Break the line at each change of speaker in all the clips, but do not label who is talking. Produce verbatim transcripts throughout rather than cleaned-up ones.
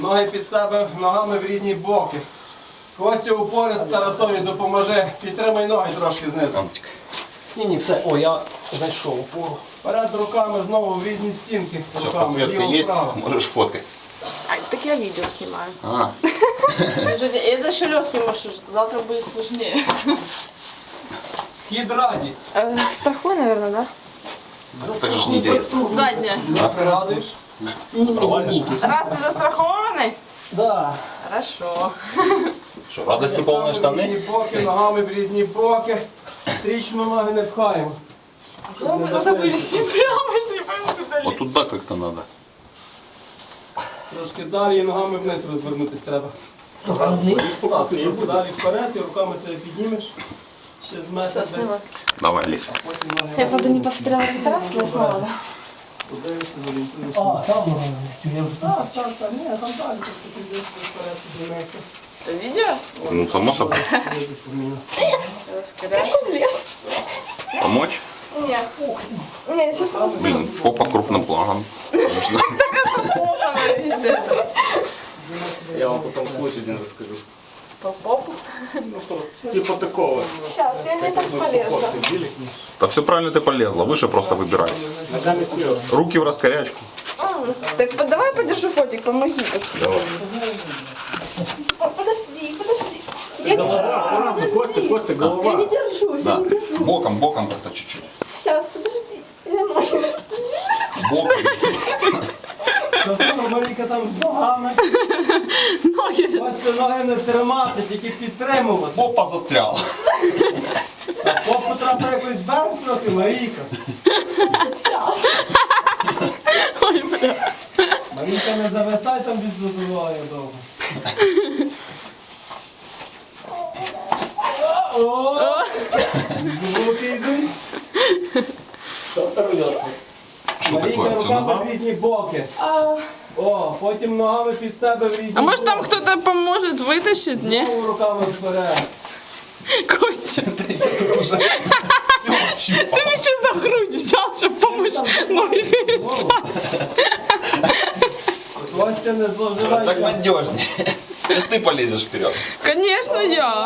Ноги під себе, ногами в різні боки. Костя упорист Тарасові допоможе. Підтримай ноги трошки знизу.
Ні, ні, все. О, я знайшов опору.
Вперед руками знову в різні стінки.
Все,
Руками,
подсветка
ліво,
есть,
вправо.
можешь фоткать.
А, так я видео снимаю.
А,
Слушайте, это еще легкий маршрут, завтра будет сложнее.
Хід радість.
Страхуй, наверное, да?
это же неинтересно.
Задняя.
Радуєш?
Пролазишь?
Раз ты застрахованный?
Да.
Хорошо.
Что, радости полные
В
штаны?
різні боки, ногами в різні боки. Стрічно ноги не пхаємо.
Надо вылезти прямо, я не пойму, куда
Вот туда как-то надо.
Трошки далі і ногами вниз розвернутись треба. Так, трохи далі вперед і руками себе піднімеш. Ще з метр
Все,
десь.
снимай.
Давай, Лиса.
Потім ноги
Я, правда, не посмотрела как раз, но снова, да?
подивишся, зорієнтуєш.
А, там нога листю, я вже
Так, так, так, ні, там далі, тобто ти йдеш вперед, піднімешся.
Это видео?
Ну, само собой.
Раскорясь.
Помочь?
Нет. Нет, сейчас
Блин, попа крупным планом. Конечно.
Я вам потом случай один расскажу.
По попу?
Типа такого.
Сейчас, я не так полезла.
Да все правильно ты полезла, выше просто выбирайся.
Ногами вперед.
Руки в раскорячку.
Так по- давай подержу фотик, помоги.
Давай.
Подожди, подожди. Я не,
Голова, аккуратно, Костя, Костя,
я
голова.
не держусь, я
Да.
не держусь.
Боком, боком как-то чуть-чуть.
Сейчас, подожди. Я ноги
Боком.
Тобто Марійка там з ногами.
Ноги.
Ось ноги не тримати, тільки підтримувати.
Попа застряла.
А попу треба якось вверх трохи, Марійка.
Ой, бля.
Марійка, не зависай там від задоволення довго. О! Звуки йдуть.
Кто оторвется?
Что
Марійка
такое? Все
руками
назад?
в різні боки.
А,
О, потім ногами під себе в різні
а может там
боки.
кто-то поможет вытащить, не?
Знову руками вперед.
Костя,
Все,
ты мне что за грудь взял, чтобы помочь ноги перестать?
Костя, не зловживай.
так надежнее. То есть ты полезешь вперед.
Конечно, я.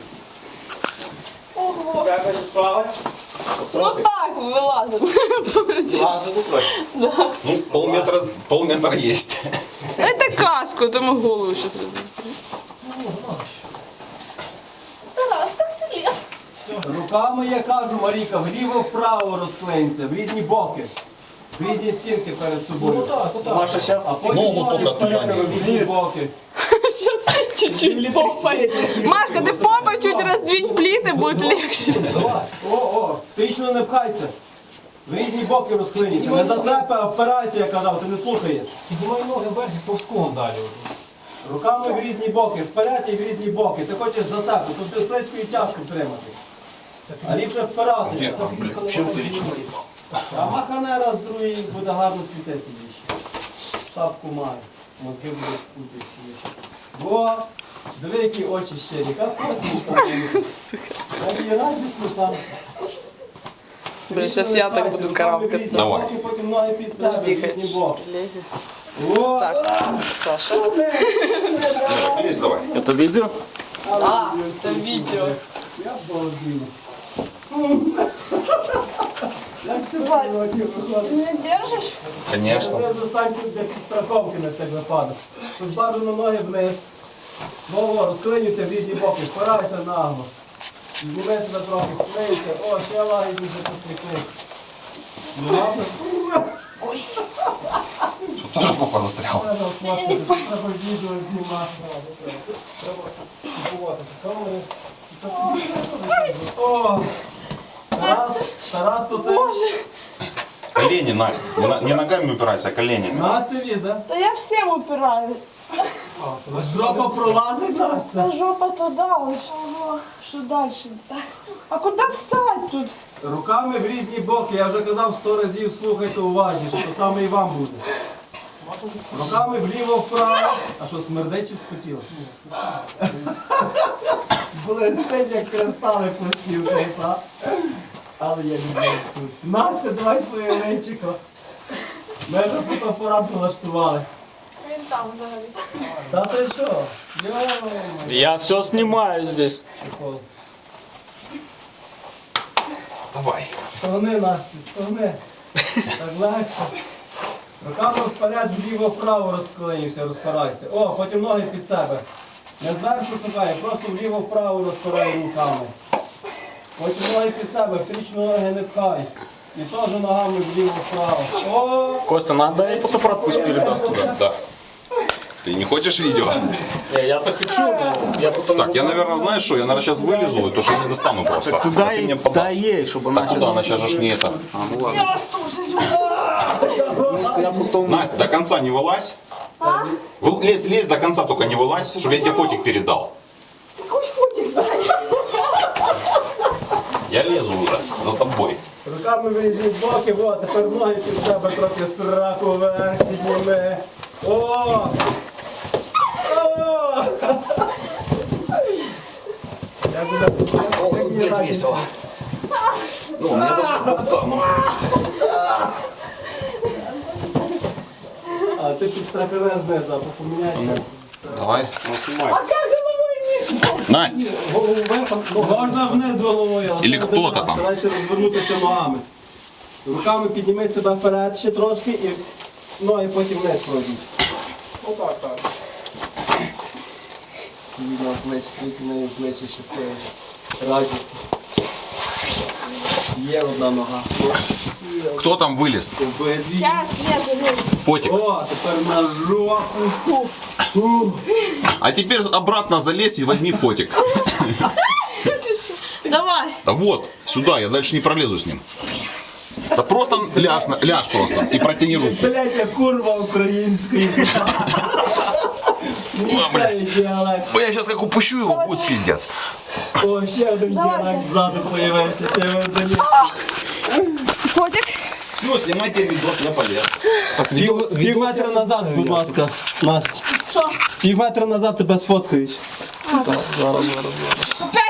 Как хочешь сплавать?
Ну так, вылазим.
Лазу трохи.
Ну, полметра, полметра есть.
Дайте каску, то мы голову сейчас разберем. Тарас, как ты лез?
Руками я кажу, Маріка, вліво-вправо розклинься, в різні боки. В різні стінки перед собою.
Маша сейчас
А потім
Ногу
ноги
только туда
вперед,
не
в різні боки.
Сейчас чуть-чуть попой. Машка, ты попой чуть раздвинь плиты, будет легче.
Давай. О, о, тично не пхайся. В різні боки розклиніться. Не затрепи, а впирайся, я казав, ти не слухаєш.
Піднімай ноги вверх і повзком далі.
Руками в різні боки, вперед і в різні боки. Ти хочеш зацепи, тобто слизько і тяжко тримати. А ліпше впиратися.
Чем ты лицо?
А махане раз другий буде гарно світити їй. Шапку має. Мозки будуть путати. Бо, диви, які очі щирі. Як посмішка. Так і радісно там.
Блин, сейчас я так буду карабкаться.
Давай.
Потім ноги під себе,
Подожди,
в різні
хоть
боки.
прилезет.
О,
Саша.
Лезь давай.
Это видео?
Да, это видео.
я балдію.
Зай, ты меня держишь?
Конечно.
Ти застань тут для підстраховки на цей випадок. Тут бажано ноги вниз. Голову розклинюйся в різні боки, впирайся нагло. Зніми себе трохи, вклинюйся. О, ще лагідніше посвікли.
Что, тоже попа застряла?
Треба хлопці, треба відео знімати. Треба купуватися камери. О! Тарас, Тарас, то ти?
Колени, Настя. Не, на- не ногами упирайся, а коленями.
Настя Віза.
Да я всем упираю.
Жопа пролазить, Настя.
Да жопа туда, ага. Что дальше? А куда стать тут?
Руками в різні боки. Я вже казав сто разів, слухайте уважніше, що саме і вам буде. Руками вліво-вправо. А що, смердить чи вспотіло? Блестить, як кристали пластівки, так? Але я люблю екскурсії. Настя, давай своє личико. Ми вже фотоапарат налаштували.
там взагалі.
Та ти що? Йо,
Я все снимаю здесь.
прикол.
Давай.
Стогни, Насті, стогни. Так легше. Руками вперед, вліво-вправо розклинівся, розпирайся. О, потім ноги під себе. Не зверху шукай, просто вліво-вправо розпирай руками. Потім ноги під себе, втріч ноги не пхай. І теж ногами вліво-вправо. О!
Костя, надо и фотоаппарат пусть передаст туда.
Да. Ты не хочешь видео?
Не, я так хочу, но я потом...
Так, я, наверное, знаешь что, я, наверное, сейчас вылезу, то что я не достану просто. А
Туда
ты
и
мне подашь.
дай ей, чтобы она...
Так куда она сейчас же ж не это?
А, ну ладно.
Я вас теж люблю.
Потому что я потом...
Настя, до конца не вылазь. Вы- Лезь, лезь до конца, только не вылазь, чтобы я тебе фотик передал.
Якийсь фотик зайняв.
Я лезу уже за тобой.
Руками вийдіть в боки, о, тепер ноги під себе трохи сраку вверх підніми. О! О! Як буде? Як мені раді?
Ну, я дос- достану.
А ти підстрахуєш знизу, а поміняйся.
Давай.
А як головою ніс?
Настя,
Можна вниз головою, але
Ілі
це
хто-то
дуже
там.
старайся розвернутися ногами. Руками підніми себе вперед ще трошки і ноги потім вниз пройдуть. Отак, так. Видно, плечі, тільки на плечі щасливі. Радість. Є одна нога.
кто там вылез?
Обидві.
Я, я, я.
Фотик.
О, тепер на жопу. Фу.
А теперь обратно залезь и возьми фотик.
Давай.
Да вот, сюда, я дальше не пролезу с ним. Да просто ляжь, на- ляжь просто и протяни руку.
Блять, я курва української. Ніхай діалект.
Бо я сейчас как упущу его, будет пиздец.
О, ще один діалект ззаду появився. Це ви взагалі.
Фотик.
Все, снимайте видос, я полез.
Пів, пів метра назад, будь ласка, Настя.
Що?
Пів метра назад тебе сфоткають.
Опять